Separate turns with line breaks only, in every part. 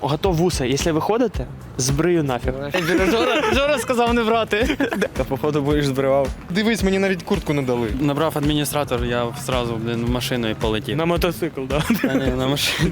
Готов вуса, якщо виходите, збрию нафіг.
Жора сказав не брати.
Та походу будеш збривав. Дивись, мені навіть куртку не дали.
Набрав адміністратор, я одразу в машину і полетів.
На мотоцикл, так?
А, ні, на машину.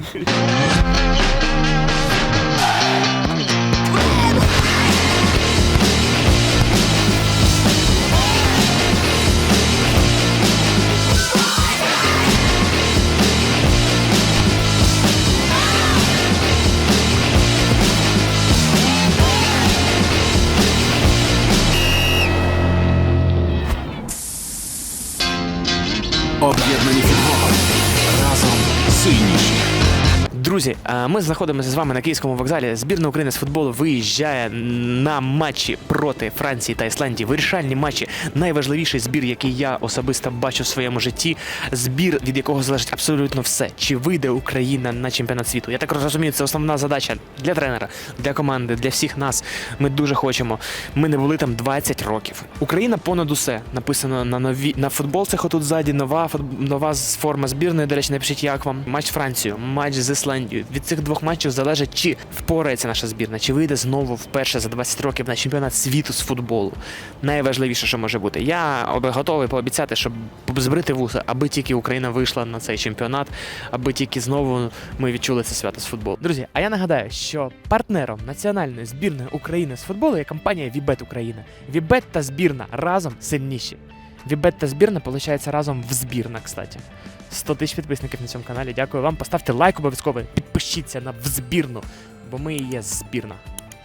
Об'єднані футболом. Разом сильніші.
Друзі, ми знаходимося з вами на Київському вокзалі. Збірна України з футболу виїжджає на матчі проти Франції та Ісландії. Вирішальні матчі. Найважливіший збір, який я особисто бачу в своєму житті. Збір, від якого залежить абсолютно все. Чи вийде Україна на чемпіонат світу. Я так розумію, це основна задача для тренера, для команди, для всіх нас. Ми дуже хочемо. Ми не були там 20 років. Україна понад усе. Написано на футболцях отут ззаді. Нова форма збірної. До речі, напишіть, як вам. Матч з Францією, матч з Ісландією. Від цих двох матчів залежить, чи впорається наша збірна, чи вийде знову вперше за 20 років на чемпіонат світу з футболу. Найважливіше, що може бути. Я готовий пообіцяти, щоб збрити вуса, аби тільки Україна вийшла на цей чемпіонат, аби тільки знову ми відчули це свято з футболу. Друзі, а я нагадаю, що партнером національної збірної України з футболу є компанія Вібет Україна. Вібет та збірна разом сильніші. Вібет та збірна, виходить, разом в збірна, кстати. 100 тисяч підписників на цьому каналі. Дякую вам. Поставте лайк обов'язково. Підпишіться на в збірну, бо ми і є збірна.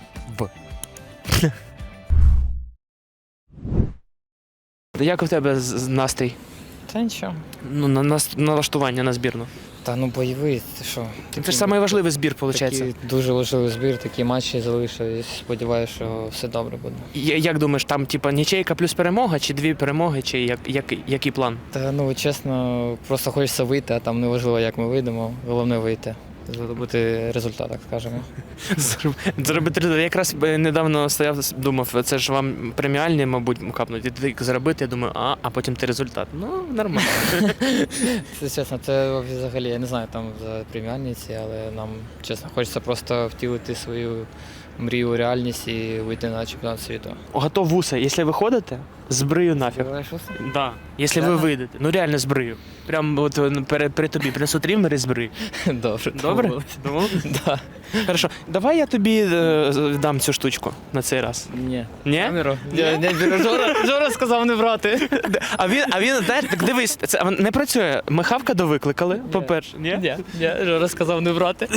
Як у тебе настрій?
Та нічого.
Ну, на налаштування на збірну.
Та ну бойовий, ти що?
Це ж найважливіший збір, виходить.
Такий дуже важливий збір, такі матчі залишились. Сподіваюся, що все добре буде.
Як думаєш, там типа нічейка плюс перемога, чи 2 перемоги, чи який план?
Та ну чесно, просто хочеться вийти, а там не важливо, як ми вийдемо. Головне вийти. Зробити результат, так скажемо.
Зробити результат. Я якраз недавно стояв, думав, це ж вам преміальні, мабуть, капнуть. І ти заробити, я думаю, а потім ти результат. Ну, нормально.
Це чесно, це взагалі, я не знаю там за преміальні ці, але нам, чесно, хочеться просто втілити свою мрію у реальність і вийти на чемпіонат світу.
Готов вуса, якщо виходите, збрию нафіг. Да. Якщо ви вийдете. Ну реально збрию. Прям от при тобі принесу триммер і збрию.
Добре.
Добре?
Да.
Хорошо. Давай я тобі дам цю штучку на цей раз.
Ні.
Ні?
Камеру? Жора сказав не брати.
А він, знаєш, так дивись, це не працює. Ми Хавка довикликали, по-перше. Ні?
Ні, Жора сказав не брати.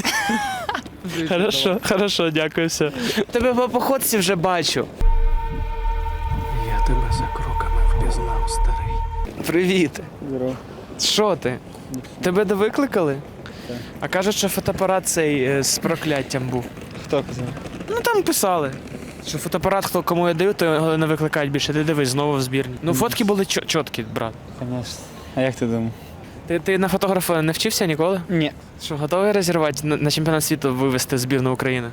Хорошо, дякую, все. Тебе по походці вже бачу.
Я тебе за кроками впізнав, старий.
Привіт.
Здорово.
Що ти? Тебе довикликали?
Так.
А кажуть, що фотоапарат цей з прокляттям був.
Хто казав?
Ну там писали, що фотоапарат, кому я даю, то його не викликають більше. Ти дивись, знову в збірні. Ну фотки були чіткі, брат.
Конечно. А як ти думав?
Ти на фотографа не вчився ніколи?
Ні.
Що, готовий розірвати на чемпіонат світу вивезти збірну України?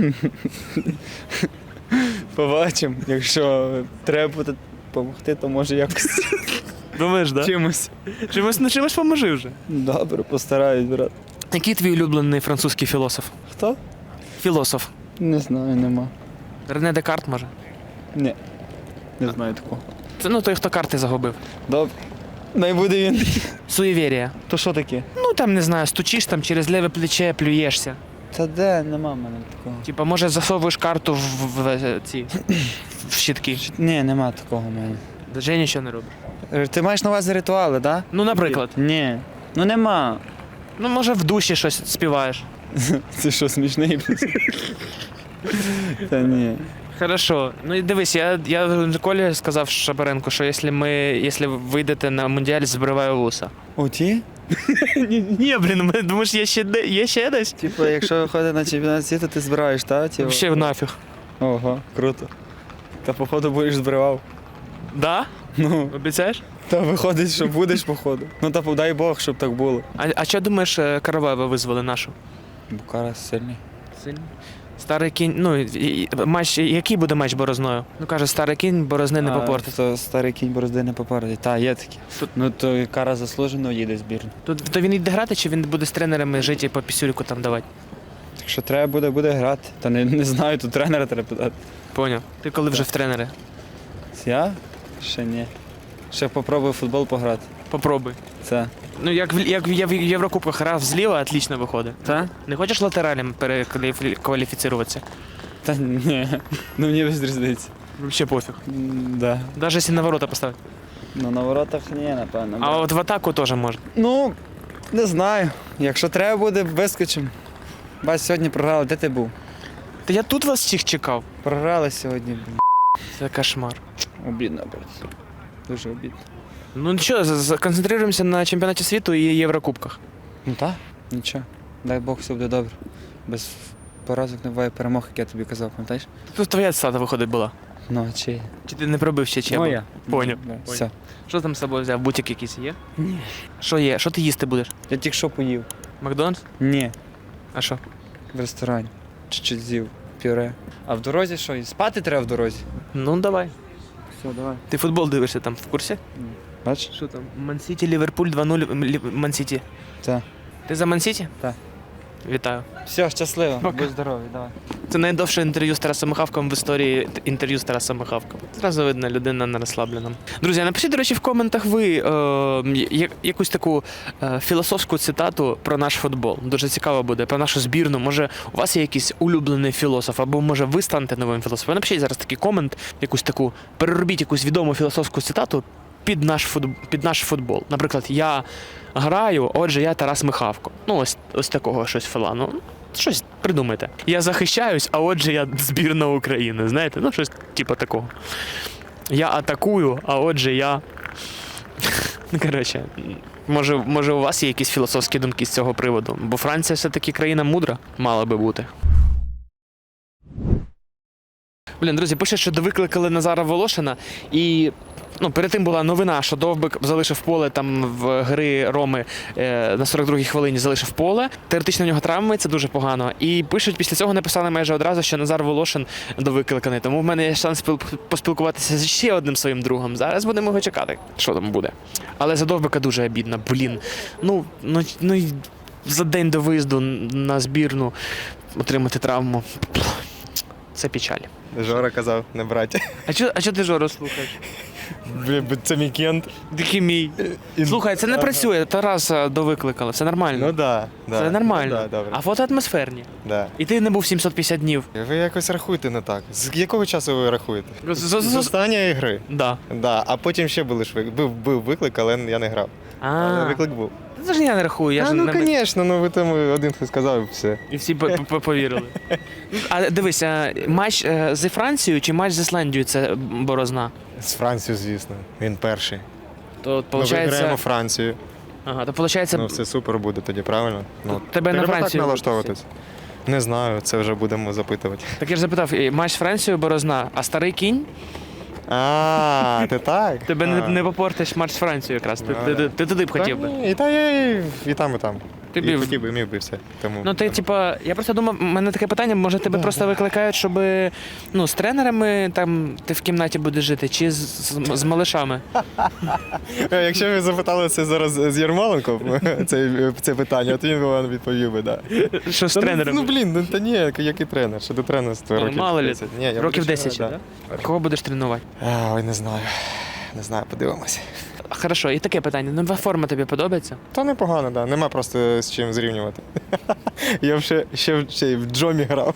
Побачимо. Якщо треба буде допомогти, то може якось
Думаєш, да?
чимось.
Чимось поможи вже.
Добре, постараюсь, брат.
Який твій улюблений французький філософ?
Хто?
Філософ.
Не знаю, нема.
Рене Декарт, може?
Ні. Не знаю такого.
Це той, хто карти загубив.
Добре. Най буде він.
Суєвірія.
То що таке?
Ну там, не знаю, стучиш там через ліве плече, плюєшся.
Та де, нема в мене такого.
Типа, може, засовуєш карту в ці в щитки.
Ні, нема такого в мене.
Вже нічого не робиш.
Ти маєш на увазі ритуали, так?
Ну, наприклад.
Ні. Ну нема.
Ну, може, в душі щось співаєш.
Це що, смішний? Та ні.
Хорошо. Ну і дивись, я Колі сказав Шабаренку, що якщо ви вийдете на Мундіаль, збриваю вуса.
У ті?
Ні, блін, думаєш, є ще десь?
Типу, якщо виходить на чемпіонат світу, ти збираєш, так? Типу?
Ще нафіг.
Ого, круто. Та походу будеш збривав.
Да?
Ну,
Обіцяєш?
та виходить, що будеш, походу. Ну та дай Бог, щоб так було.
А що думаєш, Караваєва визвали нашу?
Букара сильний.
Сильно. Старий кінь, ну, матч, який буде матч борозною? Ну, каже, старий кінь борозни не попортить.
То старий кінь борозди не попортить. Та, є такі. Ну то Кара заслужено їде збірну.
То він йде грати, чи він буде з тренерами жити і по пісюльку там давати?
Якщо треба буде, буде грати. Та не знаю, тут тренера треба питати.
Поняв. Ти коли вже в тренери?
Я? Ще ні. Ще попробую в футбол пограти.
Попробуй.
Це.
Ну, як я в Єврокубках грав зліва, отлично виходить.
Та?
Не хочеш латералем перекваліфіцируватися?
Та ні. Ну мені без різниці.
Взагалі пофіг.
Да.
Навіть якщо на ворота поставити.
Ну на воротах ні, напевно.
А от в атаку теж можна.
Ну, не знаю. Якщо треба буде, вискочимо. Бач, сьогодні програли. Де ти був?
Та я тут вас всіх чекав.
Програли сьогодні.
Це кошмар.
Обідно, брат. Дуже обідно.
Ну що, концентруємося на чемпіонаті світу і Єврокубках.
Ну так, нічого. Дай Бог, все буде добре. Без поразок не буває перемог, як я тобі казав, пам'ятаєш?
Тут твоя цитата виходить була.
Ну, а чи?
Чи ти не пробив ще чебу?
Моя.
Поняв.
Да, все.
Що там з собою взяв? Бутик якийсь є? Ні. Що є? Що ти їсти будеш?
Я тільки що поїв.
Макдональдс?
Ні,
А що?
в ресторані. Чуть-чуть з'їв пюре. А в дорозі що? І спати треба в дорозі?
Ну давай.
Все, давай.
Ти футбол дивишся там в курсі?
Бачиш?
Що там? Ман-Сіті, Ліверпуль 2-0. Ман-Сіті.
Так.
Ти за Ман-Сіті?
Так.
Вітаю.
Все, щасливо.
Пока.
Будь здоровий, давай.
Це найдовше інтерв'ю з Тарасом Михавком в історії інтерв'ю з Тарасом Михавком. Зразу видно, людина на розслабленому. Друзі, напишіть, до речі, в коментах ви якусь таку філософську цитату про наш футбол. Дуже цікаво буде, про нашу збірну. Може, у вас є якийсь улюблений філософ, або може ви станете новим філософом. Напишіть зараз такий комент, якусь таку, переробіть якусь відому філософську цитату під наш футбол. Наприклад, я граю, отже, я Тарас Михавко. Ну, ось такого щось філану. Щось придумайте. Я захищаюсь, а отже я збірна України. Знаєте, ну щось типу такого. Я атакую, а отже я. Ну, коротше, може у вас є якісь філософські думки з цього приводу? Бо Франція все-таки країна мудра, мала би бути. Блін, друзі, пише, що довикликали Назара Волошина, і перед тим була новина, що Довбик залишив поле там в гри Роми на 42-й хвилині залишив поле. Теоретично в нього травми, це дуже погано. І пишуть, після цього написали майже одразу, що Назар Волошин довикликаний. Тому в мене є шанс поспілкуватися з ще одним своїм другом. Зараз будемо його чекати, що там буде. Але за Довбика дуже обідно. Блін, ну за день до виїзду на збірну отримати травму. Це печаль.
Жора казав, не брати.
А чого ти Жору слухаєш?
Це мій кент.
Такий мій. Слухай, це не працює, Тараса довикликали, все нормально.
Ну да.
Це нормально.
Ну, да, добре.
А фото атмосферні.
Да.
І ти не був 750 днів.
Ви якось рахуєте не так. З якого часу ви рахуєте? З
З
останньої гри.
Да.
Да. А потім ще був виклик, але я не грав. Але виклик був.
Це ж я не рахую, я ж
Ну,
не...
звісно, ви там один хтось сказав і все.
І всі повірили. А дивись, матч зі Францією чи матч з Ісландією це борозна?
З Францією, звісно. Він перший.
То
Ми виграємо
виходить...
Францію.
Ага, то виходить...
Ну, все супер буде тоді, правильно? Ну,
тебе на
треба
Францію
так налаштовуватись. Не знаю, це вже будемо запитувати.
Так я ж запитав, матч з Францією борозна, а старий кінь?
А, ти так?
Тебе не попортиш матч з Францією якраз. Ти туди б хотів би.
І там, і там.
Ти
І
б-
хотів би, міг би все. Тому...
Ну, ти, типа, я просто думав, у мене таке питання, може тебе просто викликають, щоб з тренерами там ти в кімнаті будеш жити, чи з малишами?
Якщо ви запитали це зараз з Ярмоленко, це питання, то він вам відповів би, так.
Що з тренерами?
Ну, блін, та ні, який тренер? Що ти тренерство років
Мало лі,
10? Ні, я
років
буду
10,
ще,
так? Кого будеш тренувати?
Ой, не знаю. Не знаю, подивимося.
Хорошо, і таке питання. Нова форма тобі подобається?
Та непогано, да. Нема просто з чим зрівнювати. Я ще в Джомі грав.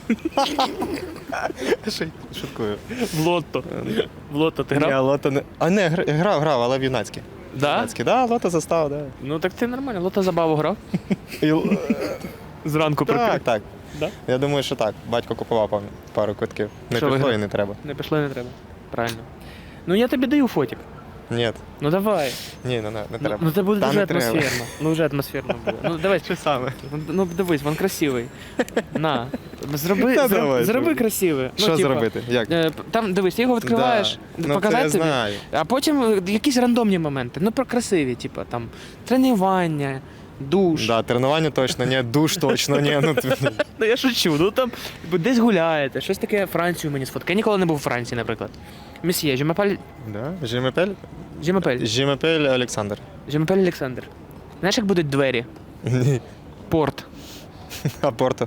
Шуткую.
В лотто. В лотто ти
Ні,
грав?
лото не... А не, грав, але в юнацькі.
Да?
Юнацькі, да, лото застав, да.
Ну так ти нормально, лотто забаву грав.
І...
Зранку
Так, так.
Да?
Я думаю, що так. Батько купував пару квитків. Не
Що
пішло
виграв?
і не треба.
Не пішло, не треба. Правильно. Ну я тобі даю фотик.
Ні,
Ну давай.
ні, не треба.
Ну це буде
Та
дуже
не треба.
атмосферно. Ну вже атмосферно буде. Ну давай.
Що саме?
Ну дивись, він красивий. На. Зроби,
Та давай,
зроби
зроби.
красивий.
Що зробити? Як?
Там дивись, ти його відкриваєш,
Да. Ну,
показати
це я
тобі,
знаю.
а потім якісь рандомні моменти. Ну про красиві, типу там тренування, душ.
Да, тренування точно, ні, душ точно, ні.
Ну я шучу. Ну там десь гуляєте, щось таке Францію мені сфоткає. Я ніколи не був у Франції, наприклад. Месьє, Жемапель
Да? Жімепель?
Жемапель.
Жімепель Олександр.
Жемапель Олександр. Знаєш, як будуть двері?
Ні.
Порт.
А Порто?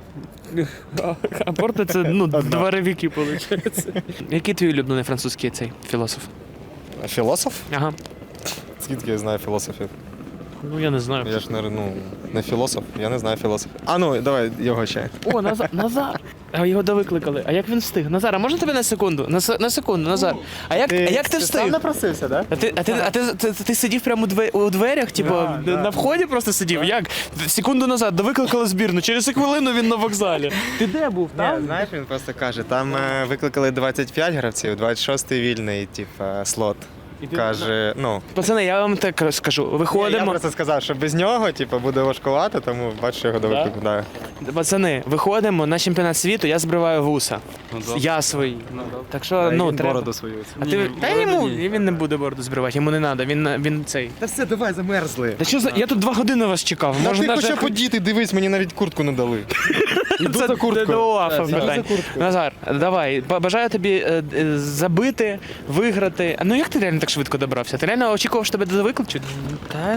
А Порто це дворовики, виходить. Який твій улюблений французький цей філософ?
Філософ?
Ага.
Скільки я знаю філософів?
Ну я не знаю.
Я ж не філософ, я не знаю філософів. А ну, давай його ще.
О, Назар. А його довикликали. А як він встиг? Назар, а можна тебе на секунду? На секунду, Назар. А як ти встиг?
напросився, так?
Ти сидів прямо у дверях, типу, на вході просто сидів? Як? Секунду назад довикликали збірну, через хвилину він на вокзалі. Ти де був? Там?
Знаєш, він просто каже, там викликали 25 гравців, 26-й вільний, слот. Каже,
Пацани, я вам так скажу.
Я
Виходимо.
просто сказав, що без нього, буде важкувато, тому бачу його до виклику. Да.
Пацани, виходимо на чемпіонат світу, я збриваю вуса. Я свій. Так що, треба.
свою.
А ти... Та йому, він не буде бороду збривати, йому не треба, він цей.
Та все, давай, замерзли.
Та що за... Я тут 2 години вас чекав.
Та ти
навіть-
хоча подіти, дивись, мені навіть куртку не дали. Іду
Це
за курткою.
до УАФа
Іду
питань.
за курткою.
Назар, давай, бажаю тобі забити, виграти. Ну як ти реально так швидко добрався? Ти реально очікував, що тебе викличуть?
Та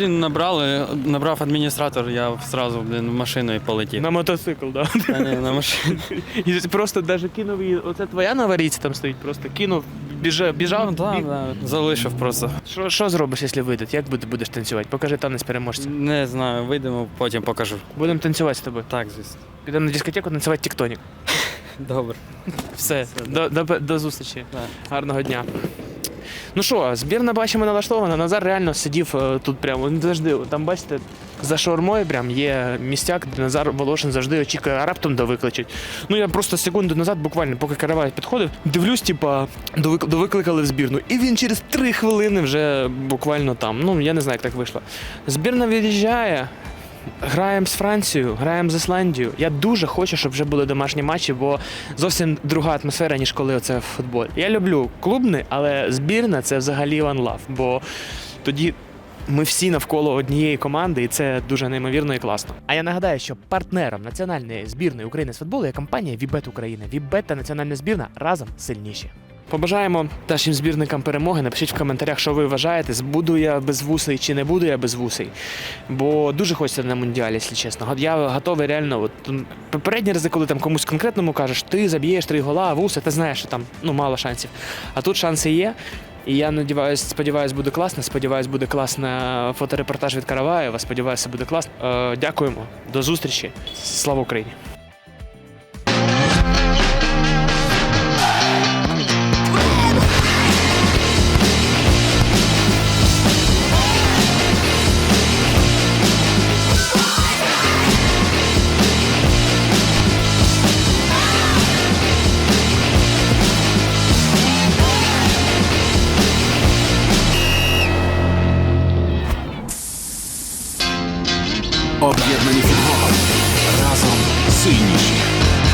набрав адміністратор, я одразу, в машину і полетів.
На мотоцикл, да?
Та ні, на машину.
І просто навіть кинув її, оце твоя новоріця там стоїть, просто кинув, біжав.
Да. Залишив просто.
Що зробиш, якщо вийдуть? Як будеш танцювати? Покажи танець переможця.
Не знаю, вийдемо, потім покажу.
Будемо танцювати з тобою.
Так, звісно.
Підемо на дискотеку танцювати тіктонік.
Добре.
Все, до зустрічі.
Так.
Гарного дня. Ну що, збірна бачимо налаштована. Назар реально сидів тут прямо. Ну, завжди, там бачите, за шаурмою прям є місцяк, де Назар Волошин завжди очікує, а раптом довикличуть. Ну я просто секунду назад, буквально, поки Каравай підходив, дивлюсь, довикликали в збірну. І він через 3 хвилини вже буквально там. Ну, я не знаю, як так вийшло. Збірна від'їжджає. Граємо з Францією, граємо з Ісландією. Я дуже хочу, щоб вже були домашні матчі, бо зовсім друга атмосфера, ніж коли оце футбол. Я люблю клубний, але збірна – це взагалі one love, бо тоді ми всі навколо однієї команди, і це дуже неймовірно і класно. А я нагадаю, що партнером національної збірної України з футболу є компанія Вібет Україна. Вібет та національна збірна разом сильніші. Побажаємо нашим збірникам перемоги. Напишіть в коментарях, що ви вважаєте, буду я безвусий чи не буду я безвусий. Бо дуже хочеться на Мундіалі, якщо чесно. Я готовий реально. Попередні рази, коли там комусь конкретному кажеш, ти заб'єш 3 гола, а вуса, ти знаєш, що там мало шансів. А тут шанси є. І я сподіваюсь, буде класно. Сподіваюсь, буде класно фоторепортаж від Караваєва. Сподіваюся, буде класно. Дякуємо. До зустрічі. Слава Україні!
Об'єднані футболом. Разом сильніші.